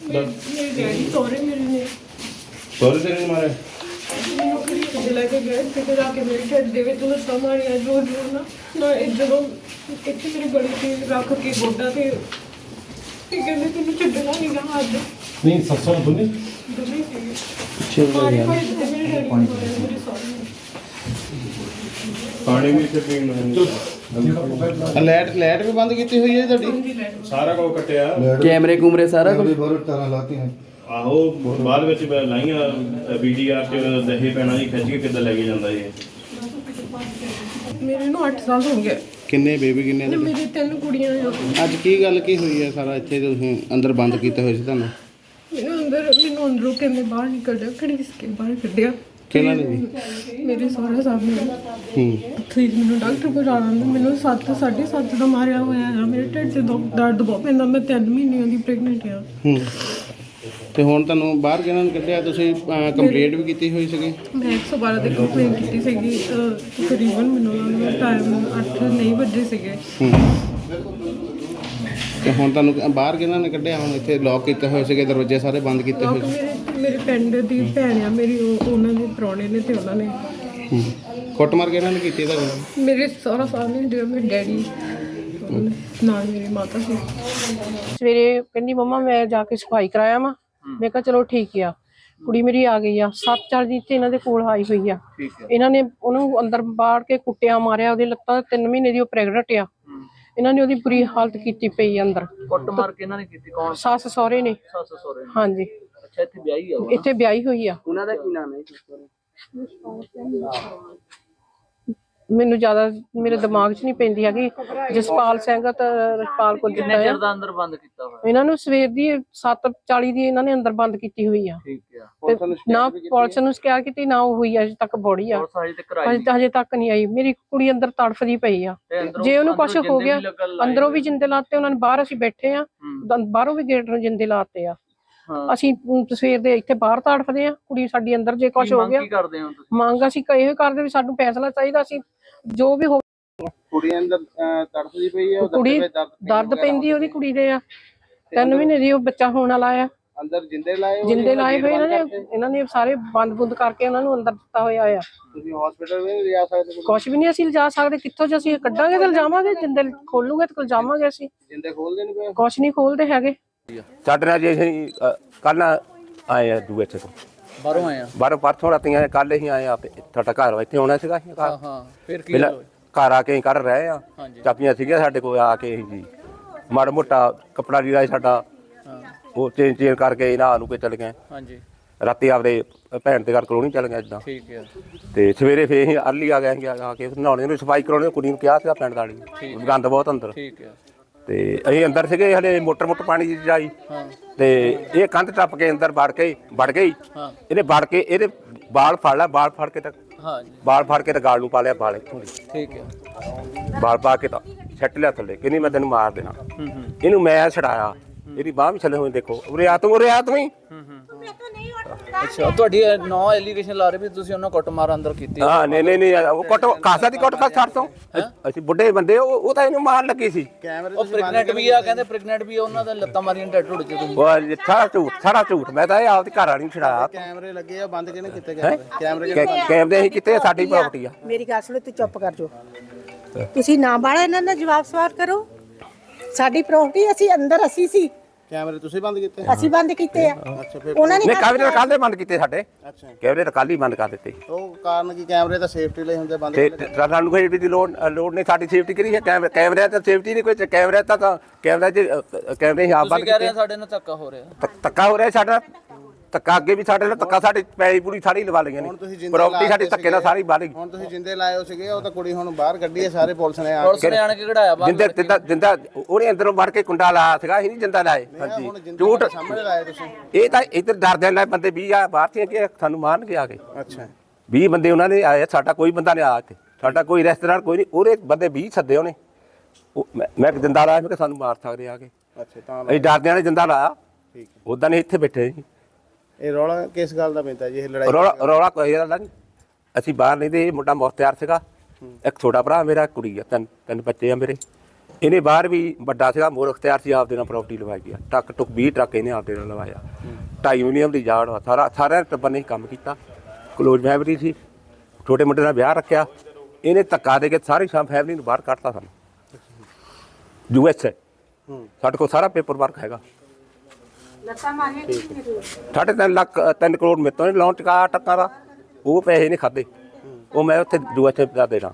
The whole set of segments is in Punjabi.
ਮੇਰੇ ਡੈਡੀ ਸਹੁਰੇ ਮੇਰੇ ਨੇ ਸਹੁਰੇ ਤੇਰੇ ਨੇ ਮਾਰਿਆ? ਮੈਨੂੰ ਖਰੀਦ ਲੈ ਕੇ ਗਏ ਤੇ ਜਾ ਕੇ ਮੇਰੇ ਢਿੱਡ ਦੇ ਵਿੱਚ ਲੱਤਾਂ ਮਾਰੀਆਂ ਜੋ ਨਾ ਇਹ ਜਦੋਂ ਇੱਥੇ ਮੇਰੀ ਗਲੀ ਤੇ ਰੱਖ ਕੇ ਗੋਡਾ ਤੇ ਕਹਿੰਦੇ ਤੈਨੂੰ ਛੱਡਣਾ ਨਹੀਂ ਗਾ ਅੱਜ ਨਹੀਂ ਸੱਸਾਂ ਦੋਨੇ ਦੋਵੇਂ ਸੀਗੇ ਮਾਰੇ ਭਾਈ ਤੇ ਮੇਰੇ ਡੈਡੀ ਨੂੰ ਮਾਰਿਆ ਮੇਰੇ ਸਹੁਰੇ ਨੇ ਪਾਣੀ ਵੀ ਇੱਥੇ ਪੀਣ ਨੂੰ ਲਾਈਟ ਵੀ ਬੰਦ ਕੀਤੀ ਹੋਈ ਹੈ ਤੁਹਾਡੀ? ਸਾਰਾ ਕੁਝ ਕੱਟਿਆ। ਕੈਮਰੇ ਕੂਮਰੇ ਸਾਰਾ ਕੁਝ? ਆਹੋ ਬਾਅਦ ਵਿੱਚ ਮੈਂ ਲਾਈਆਂ ਵੀਡੀਆਰ ਚ ਦਹੇ ਪੈਣਾ ਜੀ ਖਿੱਚ ਕੇ ਕਿੱਦਾਂ ਲੈ ਕੇ ਜਾਂਦਾ ਜੀ। ਮੇਰੇ ਨੂੰ 8 ਸਾਲ ਹੋ ਗਏ। ਕਿੰਨੇ ਬੇਬੀ ਕਿੰਨੇ ਤੇ ਮੇਰੇ 3 ਕੁੜੀਆਂ ਆ। ਅੱਜ ਕੀ ਗੱਲ ਕੀ ਹੋਈ ਹੈ ਸਾਰਾ ਇੱਥੇ ਤੁਸੀਂ ਅੰਦਰ ਬੰਦ ਕੀਤੇ ਹੋਏ ਸੀ ਤੁਹਾਨੂੰ? ਮੈਨੂੰ ਅੰਦਰੋਂ ਕਹਿੰਦੇ ਬਾਹਰ ਨਿਕਲ ਜਾ ਖੜੀਸ ਕੇ ਬਾਹਰ ਕੱਢਿਆ। ਕਿਹਨਾਂ ਨੇ ਜੀ? ਮੇਰੇ ਸਹੁਰਾ ਸਾਹਿਬ ਨੇ। ਫਿਰ ਮੈਨੂੰ ਡਾਕਟਰ ਕੋਲ ਜਾਣਾ ਮੈਨੂੰ 7:30 ਦਾ ਮਾਰਿਆ ਹੋਇਆ ਆ। ਮੇਰੇ ਢਿੱਡ 'ਚ ਦਰਦ ਬਹੁਤ ਪੈਂਦਾ। ਮੈਂ 3 ਮਹੀਨਿਆਂ ਦੀ ਪ੍ਰੈਗਨੈਂਟ ਆ। ਤੇ ਹੁਣ ਤੁਹਾਨੂੰ ਬਾਹਰ ਕਿਹਨਾਂ ਨੇ ਕੱਢਿਆ? ਤੁਸੀਂ ਕੰਪਲੇਂਟ ਵੀ ਕੀਤੀ ਹੋਈ ਸੀਗੀ? ਮੈਂ 112 ਤੇ ਕੰਪਲੇਂਟ ਕੀਤੀ ਸੀਗੀ। ਤਕਰੀਬਨ ਮੈਨੂੰ ਟਾਈਮ 8 ਨਹੀਂ ਵੱਜੇ ਸੀਗੇ। ਤੇ ਹੁਣ ਤੁਹਾਨੂੰ ਬਾਹਰ ਕਿਹਨਾਂ ਨੇ ਕੱਢਿਆ? ਹੁਣ ਇੱਥੇ ਲੌਕ ਕੀਤੇ ਹੋਏ ਸੀਗੇ ਦਰਵਾਜ਼ੇ ਸਾਰੇ ਬੰਦ ਕੀਤੇ ਹੋਏ ਸੀ? ਮੇਰੇ ਪਿੰਡ ਦੀ ਭੈਣ ਆ ਮੇਰੀ ਉਹਨਾਂ ਦੇ ਪ੍ਰਾਹੁਣੇ ਨੇ ਤੇ ਉਹਨਾਂ ਨੇ ਕੁੱਟਮਾਰ ਕਿਹਨਾਂ ਨੇ ਕੀਤੀ ਤੁਹਾਡੇ? ਮੇਰੇ ਸਹੁਰਾ ਸਾਹਿਬ ਨੇ ਜਿਹੜਾ ਮੇਰੇ ਡੈਡੀ ਨਾਲ ਮੇਰੀ ਮਾਤਾ ਸੀ। ਸਵੇਰੇ ਕਹਿੰਦੀ ਮੰਮਾ ਮੈਂ ਜਾ ਕੇ ਸਫਾਈ ਕਰਾਇਆ ਵਾ। ਮੈਂ ਕਿਹਾ ਚਲੋ ਠੀਕ ਆ। ਕੁੜੀ ਮੇਰੀ ਆ ਗਈ ਆ 7-4 ਦੀ ਇੱਥੇ ਇਹਨਾਂ ਦੇ ਕੋਲ ਆਈ ਹੋਈ ਆ। ਇਹਨਾਂ ਨੇ ਉਹਨੂੰ ਅੰਦਰ ਬਾੜ ਕੇ ਕੁੱਟਿਆ ਮਾਰਿਆ। ਉਹਦੀ ਲੱਤਾਂ 3 ਮਹੀਨੇ ਦੀ ਉਹ ਪ੍ਰੈਗਨੈਂਟ ਆ। ਇਹਨਾਂ ਨੇ ਉਹਦੀ ਬੁਰੀ ਹਾਲਤ ਕੀਤੀ ਪਈ ਅੰਦਰ। ਕੁੱਟ ਮਾਰ ਕੇ ਇਹਨਾਂ ਨੇ ਕੀਤੀ? ਕੌਣ? ਸੱਸ ਸਹੁਰੇ ਨੇ। ਸੱਸ ਸਹੁਰੇ? ਹਾਂਜੀ। ਅੱਛਾ ਇੱਥੇ ਵਿਆਹੀ ਆ ਉਹ? ਇੱਥੇ ਵਿਆਹੀ ਹੋਈ ਆ। ਉਹਨਾਂ ਦਾ ਕੀ ਨਾਮ ਹੈ? ਮੈਨੂੰ ਜ਼ਿਆਦਾ ਮੇਰੇ ਦਿਮਾਗ 'ਚ ਨਹੀਂ ਪੈਂਦੀ ਹੈਗੀ। ਜਸਪਾਲ ਸਿੰਘ ਤਾਂ ਰਸਪਾਲ ਕੋਲ ਕਿੰਨੇ ਚਿਰ ਦਾ ਅੰਦਰ ਬੰਦ ਕੀਤਾ ਹੋਇਆ? ਇਹਨਾਂ ਨੂੰ ਸਵੇਰ ਦੀ 7:40 ਦੀ ਇਹਨਾਂ ਨੇ ਅੰਦਰ ਬੰਦ ਕੀਤੀ ਹੋਈ ਆ। ਠੀਕ ਆ। ਤੇ ਨਾ ਪੁਲਿਸ ਨੂੰ ਸ਼ਿਕਾਇਤ ਕੀਤੀ ਨਾ ਉਹ ਹੋਈ ਅਜੇ ਤੱਕ ਬੋੜੀ ਆ। ਹਜੇ ਤੱਕ ਨਹੀਂ ਆਈ। ਮੇਰੀ ਕੁੜੀ ਅੰਦਰ ਤੜਫਦੀ ਪਈ ਆ। ਜੇ ਉਹਨੂੰ ਕੁਛ ਹੋ ਗਿਆ ਅੰਦਰੋਂ ਵੀ ਜਿੰਦੇ ਲਾਤੇ ਉਹਨਾਂ ਨੇ। ਬਾਹਰ ਅਸੀਂ ਬੈਠੇ ਆ ਬਾਹਰੋਂ ਵੀ ਗੇਟ ਨੂੰ ਜਿੰਦੇ ਲਾਤੇ ਆ। ਅਸੀਂ ਸਵੇਰ ਦੇ ਇੱਥੇ ਬਾਹਰ ਤੜਫਦੇ ਆ। ਕੁੜੀ ਸਾਡੀ ਅੰਦਰ ਜੇ ਕੁਛ ਹੋ ਗਿਆ ਮੰਗ ਅਸੀਂ ਇਹੋ ਕਰਦੇ ਵੀ ਸਾਨੂੰ ਫੈਸਲਾ ਚਾਹੀਦਾ। ਅਸੀਂ ਜੋ ਵੀ ਹੋ ਕੁੜੀ ਅੰਦਰ ਤੜਫਦੀ ਪਈ ਹੈ? ਕੁੜੀ ਦਰਦ ਪੈਂਦੀ ਉਹਦੀ ਕੁੜੀ ਦੇ ਆ। 3 ਮਹੀਨੇ ਦੀ ਉਹ ਬੱਚਾ ਹੋਣ ਵਾਲਾ ਆ। ਅੰਦਰ ਜਿੰਦੇ ਲਾਏ ਹੋਏ ਇਹਨਾਂ ਨੇ ਸਾਰੇ ਬੰਦ ਕਰਕੇ ਉਹਨਾਂ ਨੂੰ ਅੰਦਰ ਦਿੱਤਾ ਹੋਇਆ ਆ। ਤੁਸੀਂ ਹਸਪੀਟਲ ਵੀ ਲਿਜਾ ਸਕਦੇ? ਕੁਛ ਵੀ ਨਹੀਂ ਅਸੀਂ ਲਿਜਾ ਸਕਦੇ। ਕਿੱਥੋਂ ਜੇ ਅਸੀਂ ਕੱਢਾਂਗੇ ਤੇ ਲਿਜਾਵਾਂਗੇ। ਜਿੰਦੇ ਖੋਲੂਗੇ ਤੇ ਲਿਜਾਵਾਂਗੇ। ਅਸੀਂ ਜਿੰਦੇ ਖੋਲਦੇ ਨਹੀਂ ਪਏ? ਕੁਛ ਨਹੀਂ ਖੋਲਦੇ ਹੈਗੇ। ਸਾਡੇ ਨਾਲ ਜੇ ਅਸੀਂ ਕੱਲ ਆਏ ਆ ਦੂਏ ਤੋਂ ਬਾਹਰੋਂ ਆਏ ਆ? ਬਾਹਰੋਂ ਪਰਸੋਂ ਰਾਤੀਆਂ ਕੱਲ ਹੀ ਆਏ ਆ। ਤੁਹਾਡਾ ਘਰ ਇੱਥੇ ਆਉਣਾ ਸੀਗਾ? ਹਾਂ ਫਿਰ ਕੀ ਘਰ ਆ ਕੇ ਅਸੀਂ ਕਰ ਰਹੇ ਆ। ਚਾਬੀਆਂ ਸੀਗੀਆਂ ਸਾਡੇ ਕੋਲ। ਆ ਕੇ ਅਸੀਂ ਜੀ ਮਾੜਾ ਮੋਟਾ ਕੱਪੜਾ ਲੀੜਾ ਸਾਡਾ ਉਹ ਚੇਂਜ ਕਰਕੇ ਇਹਨਾਂ ਨੂੰ ਕੇ ਚਲੇ ਗਏ। ਹਾਂਜੀ। ਰਾਤੀ ਆਪਦੇ ਭੈਣ ਦੇ ਘਰ ਕਲੋਨੀ ਚੱਲ ਗਏ ਇੱਦਾਂ। ਠੀਕ ਆ। ਤੇ ਸਵੇਰੇ ਫੇਰ ਅਸੀਂ ਅਰਲੀ ਆ ਗਏ। ਆ ਕੇ ਨਹਾਉਣੇ ਨੂੰ ਸਫਾਈ ਕਰਾਉਣੇ ਕੁੜੀ ਨੂੰ ਕਿਹਾ ਸੀਗਾ ਪਿੰਡ ਵਾਲੀ। ਗੰਦ ਬਹੁਤ ਅੰਦਰ। ਠੀਕ ਆ। ਤੇ ਅਸੀਂ ਅੰਦਰ ਸੀਗੇ ਹਲੇ ਮੋਟਰ ਪਾਣੀ ਦੀ ਜਾਈ। ਤੇ ਇਹ ਕੰਧ ਟੱਪ ਕੇ ਅੰਦਰ ਵੜ ਗਈ। ਇਹਨੇ ਵੜ ਕੇ ਇਹਦੇ ਬਾਲ ਫੜ ਲਿਆ। ਬਾਲ ਫੜ ਕੇ ਤਾਂ ਬਾਲ ਫੜ ਕੇ ਤਾਂ ਗਾਲ ਨੂੰ ਪਾ ਲਿਆ। ਬਾਲ ਇੱਥੋਂ ਦੀ ਠੀਕ ਆ। ਬਾਲ ਪਾ ਕੇ ਤਾਂ ਛੱਟ ਲਿਆ ਥੱਲੇ। ਕਹਿੰਦੀ ਮੈਂ ਤੈਨੂੰ ਮਾਰ ਦੇਣਾ। ਇਹਨੂੰ ਮੈਂ ਛਡਾਇਆ। ਇਹਦੀ ਬਾਹ ਵੀ ਛੱਲੇ ਹੋਏ ਦੇਖੋ। ਉਰੇ ਆ ਤੂੰ ਹੀ। ਅੱਛਾ ਤੁਹਾਡੀ ਨੌ ਐਲੀਗੇਸ਼ਨ ਲਾ ਰਹੇ ਵੀ ਤੁਸੀਂ ਉਹਨਾਂ ਕੁੱਟ ਮਾਰ ਅੰਦਰ ਕੀਤੀ? ਹਾਂ ਨਹੀਂ ਉਹ ਕੁੱਟ ਖਾਸਾ ਦੀ ਕੁੱਟ ਖਾਸ ਛੱਡ ਤੋਂ। ਅਸੀਂ ਬੁੱਢੇ ਬੰਦੇ ਉਹ ਤਾਂ ਇਹਨੂੰ ਮਾਰਨ ਲੱਗੀ ਸੀ। ਉਹ ਪ੍ਰੈਗਨੈਂਟ ਵੀ ਆ ਕਹਿੰਦੇ। ਪ੍ਰੈਗਨੈਂਟ ਵੀ ਉਹਨਾਂ ਦਾ ਲੱਤਾਂ ਮਾਰੀਆਂ ਟੈਟੂ ਢੁੱਡ ਚ ਤੁਸੀਂ? ਉਹ ਸਾਰਾ ਝੂਠ। ਮੈਂ ਤਾਂ ਇਹ ਆਪਦੀ ਘਰ ਵਾਲੀ ਨੂੰ ਛਡਾਇਆ। ਕੈਮਰੇ ਲੱਗੇ ਆ ਬੰਦ ਕਿਹਨੇ ਕੀਤੇ ਗਏ? ਕੈਮਰੇ ਅਸੀਂ ਕਿਤੇ ਸਾਡੀ ਪ੍ਰਾਪਰਟੀ ਆ। ਮੇਰੀ ਗੱਲ ਸੁਣੋ ਤੂੰ ਚੁੱਪ ਕਰ ਜੋ। ਤੁਸੀਂ ਨਾ ਬਾਲਾ ਇਹਨਾਂ ਦਾ ਜਵਾਬ ਸਵਾਲ ਕਰੋ। ਸਾਡੀ ਪ੍ਰਾਪਰਟੀ ਅਸੀਂ ਸੀ। ਕੈਮਰੇ ਤੁਸੀਂ ਬੰਦ ਕੀਤੇ? ਅਸੀਂ ਬੰਦ ਕੀਤੇ ਆ। ਅੱਛਾ ਫਿਰ ਉਹਨਾਂ ਨੇ ਕੈਮਰੇ ਕੱਲ ਦੇ ਬੰਦ ਕੀਤੇ ਸਾਡੇ। ਅੱਛਾ ਕੈਮਰੇ ਤਾਂ ਕੱਲ ਹੀ ਬੰਦ ਕਰ ਦਿੱਤੇ। ਉਹ ਕਾਰਨ ਕੀ? ਕੈਮਰੇ ਤਾਂ ਸੇਫਟੀ ਲਈ ਹੁੰਦੇ ਬੰਦ। ਤੇ ਸਾਨੂੰ ਕੋਈ ਦੀ ਲੋੜ ਨਹੀਂ। ਸਾਡੀ ਸੇਫਟੀ ਕਰੀ ਹੈ। ਕੈਮਰੇ ਤਾਂ ਸੇਫਟੀ ਨਹੀਂ ਕੋਈ। ਕੈਮਰੇ ਤਾਂ ਕੈਮਰੇ ਹੀ ਆਪ ਬੰਦ ਕਹਿ ਰਹੇ ਸਾਡੇ ਨਾਲ ਧੱਕਾ ਹੋ ਰਿਹਾ। ਧੱਕਾ ਹੋ ਰਿਹਾ ਸਾਡਾ। ਧੱਕਾ ਅੱਗੇ ਵੀ ਸਾਡੇ ਨਾਲ ਧੱਕਾ। ਸਾਡੀ ਪੈਲੀ ਪੂਰੀ ਸਾਰੀ ਲਵਾ ਲਈਆਂ ਨੇ। ਪ੍ਰਾਪਰਟੀ ਸਾਡੀ ਧੱਕੇ ਨਾਲ ਸਾਰੀ ਬਾਹਰ ਗਈ। ਹੁਣ ਤੁਸੀਂ ਜਿੰਦੇ ਲਾਏ ਹੋ ਸੀਗੇ। ਉਹ ਤਾਂ ਕੁੜੀ ਹੁਣ ਬਾਹਰ ਕੱਢੀ ਹੈ। ਸਾਰੇ ਪੁਲਿਸ ਨੇ ਆਣ ਕੇ ਕਢਾਇਆ ਬਾਹਰ। ਜਿੰਦਾ ਉਹਨੇ ਅੰਦਰੋਂ ਵੜ ਕੇ ਕੁੰਡਾ ਲਾਇਆ ਸੀਗਾ। ਅਸੀਂ ਨਹੀਂ ਜਿੰਦਾ ਲਾਏ। ਹਾਂਜੀ ਝੂਠ ਸਾਹਮਣੇ ਲਾਏ ਤੁਸੀਂ? ਇਹ ਤਾਂ ਇੱਧਰ ਡਰਦੇ ਨਾਲ ਬੰਦੇ 20 ਆ ਬਾਹਰ ਸੀ ਕਿ ਸਾਨੂੰ ਮਾਰਨਗੇ ਆ ਕੇ। ਅੱਛਾ 20 ਬੰਦੇ ਉਹਨਾਂ ਨੇ ਆਏ। ਸਾਡਾ ਕੋਈ ਬੰਦਾ ਨਹੀਂ ਆਇਆ ਇੱਥੇ। ਸਾਡਾ ਕੋਈ ਰਿਸ਼ਤੇਦਾਰ ਕੋਈ ਨਹੀਂ। ਉਹਦੇ ਬੰਦੇ 20 ਸੱਦੇ ਉਹਨੇ। ਮੈਂ ਜਿੰਦਾ ਲਾਇਆ। ਮੈਂ ਕਿਹਾ ਸਾਨੂੰ ਮਾਰ ਸਕਦੇ ਆ ਕੇ। ਅੱਛਾ ਤਾਂ ਅਸੀਂ ਡਰਦਿਆਂ ਨੇ ਜਿੰਦਾ ਲਾਇਆ। ਠੀਕ ਹੈ। ਉਦਾਂ ਨਹੀਂ ਇੱਥੇ ਬੈਠੇ ਸੀ। ਇਹ ਰੌਲਾ ਕਿਸ ਗੱਲ ਦਾ ਪੈਂਦਾ ਜੀ? ਇਹ ਲੜਾਈ ਰੌਲਾ ਕੋਈ ਗੱਲ ਨਹੀਂ। ਅਸੀਂ ਬਾਹਰ ਨਹੀਂ ਤੇ ਇਹ ਮੁੰਡਾ ਮੁਖਤਿਆਰ ਸੀਗਾ। ਇੱਕ ਛੋਟਾ ਭਰਾ ਮੇਰਾ ਕੁੜੀ ਆ। ਤਿੰਨ ਬੱਚੇ ਆ ਮੇਰੇ। ਇਹਨੇ ਬਾਹਰ ਵੀ ਵੱਡਾ ਸੀਗਾ ਮੋਰ ਅਖਤਿਆਰ ਸੀ, ਆਪਦੇ ਨਾਲ ਪ੍ਰਾਪਰਟੀ ਲਵਾਈ ਗਿਆ। ਟਰੱਕ ਟੁੱਕ 20 ਟਰੱਕ ਇਹਨੇ ਆਪਦੇ ਨਾਲ ਲਵਾਇਆ। 2.5 ਯੂਨੀਅਮ ਦੀ ਜਾੜ ਵਾ, ਸਾਰਿਆਂ ਟੱਬਰ ਨੇ ਕੰਮ ਕੀਤਾ। ਕਲੋਜ਼ ਫੈਮਿਲੀ ਸੀ, ਛੋਟੇ ਮੁੰਡੇ ਦਾ ਵਿਆਹ ਰੱਖਿਆ। ਇਹਨੇ ਧੱਕਾ ਦੇ ਕੇ ਸਾਰੀ ਫੈਮਿਲੀ ਨੂੰ ਬਾਹਰ ਕੱਢਤਾ ਸਾਨੂੰ। US ਸਾਡੇ ਕੋਲ ਸਾਰਾ ਪੇਪਰ ਵਰਕ ਹੈਗਾ। 3.5 ਕਰੋੜ ਮੇਰੇ ਤੋਂ ਲੋਨ ਚੁਕਾਇਆ ਟੱਕਾਂ ਦਾ, ਉਹ ਪੈਸੇ ਨਹੀਂ ਖਾਦੇ। ਉਹ ਮੈਂ ਉੱਥੇ US ਦਾ ਦੇਣਾ।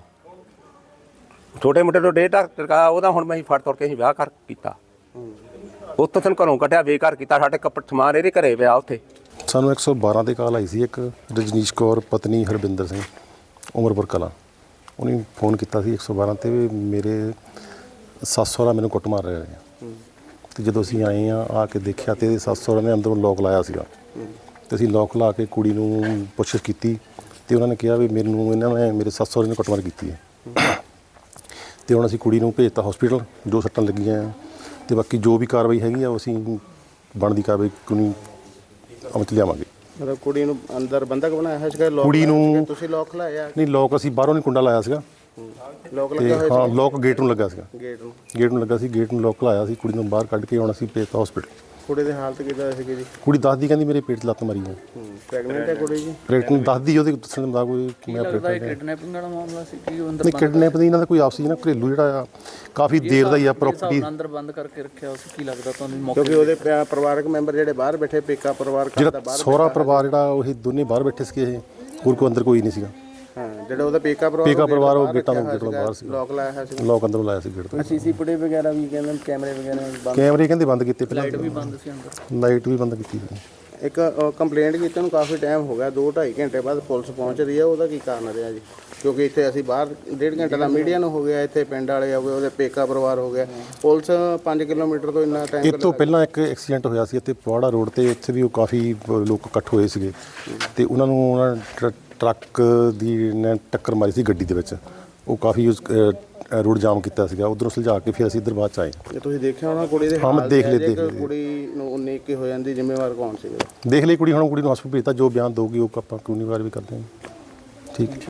ਛੋਟੇ ਮੁੰਡੇ ਤੋਂ 1.5 ਲੱਖ ਚੁਕਾਇਆ, ਉਹਦਾ ਹੁਣ ਮੈਂ ਫੜ ਤੋੜ ਕੇ ਅਸੀਂ ਵਿਆਹ ਕਰ ਕੀਤਾ। ਉੱਥੋਂ ਸਾਨੂੰ ਘਰੋਂ ਕੱਢਿਆ, ਬੇਘਰ ਕੀਤਾ। ਸਾਡੇ ਕੱਪੜੇ ਸਮਾਨ ਇਹਦੇ ਘਰੇ ਪਿਆ ਉੱਥੇ। ਸਾਨੂੰ 112 ਤੇ ਕਾਲ ਆਈ ਸੀ। ਇੱਕ ਰਜਨੀਸ਼ ਕੌਰ ਪਤਨੀ ਹਰਬਿੰਦਰ ਸਿੰਘ ਉਮਰਪੁਰ ਕਲਾਂ, ਉਹਨੇ ਫੋਨ ਕੀਤਾ ਸੀ 112 ਤੇ ਵੀ ਮੇਰੇ ਸੱਸ ਸਹੁਰਾ ਮੈਨੂੰ ਕੁੱਟ ਮਾਰ ਰਹੇ ਨੇ। ਤੇ ਜਦੋਂ ਅਸੀਂ ਆਏ ਆ ਕੇ ਦੇਖਿਆ ਤੇ ਇਹਦੇ ਸੱਸ ਸਹੁਰਾ ਨੇ ਅੰਦਰੋਂ ਲੋਕ ਲਾਇਆ ਸੀਗਾ। ਤੇ ਅਸੀਂ ਲੋਕ ਲਾ ਕੇ ਕੁੜੀ ਨੂੰ ਪੁੱਛਿਸ਼ ਕੀਤੀ ਤੇ ਉਹਨਾਂ ਨੇ ਕਿਹਾ ਵੀ ਮੈਨੂੰ ਇਹਨਾਂ ਨੇ ਮੇਰੇ ਸੱਸ ਸਹੁਰੇ ਨੇ ਕੁੱਟਮਾਰ ਕੀਤੀ ਹੈ। ਤੇ ਹੁਣ ਅਸੀਂ ਕੁੜੀ ਨੂੰ ਭੇਜਤਾ ਹਸਪੀਟਲ, ਜੋ ਸੱਟਾਂ ਲੱਗੀਆਂ ਆ। ਤੇ ਬਾਕੀ ਜੋ ਵੀ ਕਾਰਵਾਈ ਹੈਗੀ ਆ ਉਹ ਅਸੀਂ ਬਣਦੀ ਕਾਰਵਾਈ ਕਾਨੂੰਨੀ ਅਮਲ 'ਚ ਲਿਆਵਾਂਗੇ। ਮਤਲਬ ਕੁੜੀ ਨੂੰ ਅੰਦਰ ਬੰਦਕ ਬਣਾਇਆ ਹੈ ਸੀਗਾ? ਕੁੜੀ ਨੂੰ ਤੁਸੀਂ ਲੋਕ ਲਾਇਆ? ਨਹੀਂ, ਲੋਕ ਅਸੀਂ ਬਾਹਰੋਂ ਨਹੀਂ ਕੁੰਡਾ ਲਾਇਆ ਸੀਗਾ। ਲੋਕ ਤੇ ਲੱਗਾ ਹੋਇਆ ਹਾਂ, ਲੋਕ ਗੇਟ ਨੂੰ ਲੱਗਾ ਸੀਗਾ। ਗੇਟ ਨੂੰ ਲੱਗਾ ਸੀ। ਗੇਟ ਨੂੰ ਲੋਕ ਲਾਇਆ ਸੀ। ਕੁੜੀ ਨੂੰ ਬਾਹਰ ਕੱਢ ਕੇ ਹੁਣ ਅਸੀਂ ਭੇਜਤਾ ਹਸਪੀਟਲ। ਕੁੜੀ ਦੀ ਹਾਲਤ ਕਿੱਦਾਂ ਸੀਗੀ ਜੀ? ਕੁੜੀ ਦੱਸਦੀ ਕਹਿੰਦੀ ਮੇਰੇ ਪੇਟ 'ਚ ਲੱਤ ਮਾਰੀ ਹੈ। ਪ੍ਰੈਗਨੈਂਟ ਹੈ ਕੁੜੀ ਜੀ? ਪ੍ਰੈਗਨੈਂਟ ਦੱਸਦੀ, ਉਹਦੇ ਦੱਸਣ ਦਾ ਕੋਈ ਮੈਂ ਲੱਗਦਾ ਕਿਡਨੈਪਿੰਗ ਵਾਲਾ ਮਾਮਲਾ ਸੀ ਕਿ ਉਹ ਅੰਦਰ ਨਹੀਂ, ਕਿਡਨੈਪ ਦੀ ਇਹਨਾਂ ਦਾ ਕੋਈ ਆਪਸੀ ਨਾ ਘਰੇਲੂ ਜਿਹੜਾ ਆ ਕਾਫੀ ਦੇਰ ਦਾ ਹੀ ਆ। ਪ੍ਰਾਪਰਟੀ ਅੰਦਰ ਬੰਦ ਕਰਕੇ ਰੱਖਿਆ ਉਸ ਕੀ ਲੱਗਦਾ ਤੁਹਾਨੂੰ ਮੌਕੇ ਕਿਉਂਕਿ ਉਹਦੇ ਪਰਿਵਾਰਕ ਮੈਂਬਰ ਜਿਹੜੇ ਬਾਹਰ ਬੈਠੇ, ਪੇਕਾ ਪਰਿਵਾਰ ਜਿਹੜਾ ਸਹੁਰਾ ਪਰਿਵਾਰ ਜਿਹੜਾ ਉਹ ਦੋਨੇ ਬਾਹਰ ਬੈਠੇ ਸੀਗੇ। ਇਹ ਹੋਰ ਕੋਈ ਅੰਦਰ ਕੋਈ ਨਹੀਂ ਸੀਗਾ। ਹਾਂ, ਜਿਹੜਾ ਉਹਦਾ ਪੇਕਾ ਪਰਿਵਾਰ ਉਹ ਗੇਟਾਂ ਤੋਂ ਬਾਹਰ ਸੀ। ਲੋਕ ਲਾਇਆ ਹੋਇਆ ਸੀ। ਲੋਕ ਅੰਦਰੋਂ ਲਾਇਆ ਸੀ ਗੇਟ ਤੋਂ। ਸੀਸੀ ਫੁਟੇਜ ਵਗੈਰਾ ਵੀ ਕਹਿੰਦੇ ਕੈਮਰੇ ਵਗੈਰਾ ਬੰਦ, ਕੈਮਰੇ ਕਹਿੰਦੇ ਬੰਦ ਕੀਤੇ ਪਹਿਲਾਂ। ਲਾਈਟ ਵੀ ਬੰਦ ਸੀ ਅੰਦਰ। ਲਾਈਟ ਵੀ ਬੰਦ ਕੀਤੀ ਸੀ। ਇੱਕ ਕੰਪਲੇਂਟ ਕੀਤੀ ਨੂੰ ਕਾਫੀ ਟਾਈਮ ਹੋ ਗਿਆ, 2-2.5 ਘੰਟੇ ਬਾਅਦ ਪੁਲਿਸ ਪਹੁੰਚ ਰਹੀ ਹੈ। ਉਹਦਾ ਕੀ ਕਾਰਨ ਰਿਹਾ ਜੀ? ਕਿਉਂਕਿ ਇੱਥੇ ਅਸੀਂ ਬਾਹਰ 1.5 ਘੰਟੇ ਦਾ ਮੀਡੀਆ ਨੂੰ ਹੋ ਗਿਆ, ਇੱਥੇ ਪਿੰਡ ਵਾਲੇ ਹੋ ਗਏ, ਉਹਦੇ ਪੇਕਾ ਪਰਿਵਾਰ ਹੋ ਗਿਆ। ਪੁਲਿਸ 5 ਕਿਲੋਮੀਟਰ ਤੋਂ ਇੰਨਾ ਟਾਈਮ। ਇਹ ਤੋਂ ਪਹਿਲਾਂ ਇੱਕ ਐਕਸੀਡੈਂਟ ਹੋਇਆ ਸੀ ਇੱਥੇ ਪਵਾੜਾ ਰੋਡ ਤੇ। ਉੱਥੇ ਵੀ ਉਹ ਕਾਫੀ ਲੋਕ ਇਕੱਠ ਹੋਏ ਸੀਗੇ ਤੇ ਉਹਨਾਂ ਨੂੰ ਟਰੱਕ ਦੀ ਨੇ ਟੱਕਰ ਮਾਰੀ ਸੀ ਗੱਡੀ ਦੇ ਵਿੱਚ। ਉਹ ਕਾਫੀ ਰੋਡ ਜਾਮ ਕੀਤਾ ਸੀਗਾ। ਉਧਰੋਂ ਸੁਲਝਾ ਕੇ ਫਿਰ ਅਸੀਂ ਇੱਧਰ ਬਾਅਦ 'ਚ ਆਏ। ਜੇ ਤੁਸੀਂ ਦੇਖਿਆ ਹੋਣਾ ਕੁੜੀ ਦੇ ਹਾਂ, ਦੇਖ ਲਈ ਕੁੜੀ ਨੂੰ 19 ਕੀ ਹੋ ਜਾਂਦੀ, ਜ਼ਿੰਮੇਵਾਰ ਕੌਣ ਸੀਗਾ? ਦੇਖ ਲਈ ਕੁੜੀ। ਹੁਣ ਕੁੜੀ ਨੂੰ ਹਸਪਤਾਲ ਭੇਜਤਾ, ਜੋ ਬਿਆਨ ਦਊਗੀ ਉਹ ਆਪਾਂ ਕਾਨੂੰਨੀ ਕਾਰਵਾਈ ਕਰਦੇ ਹਾਂ। ਠੀਕ।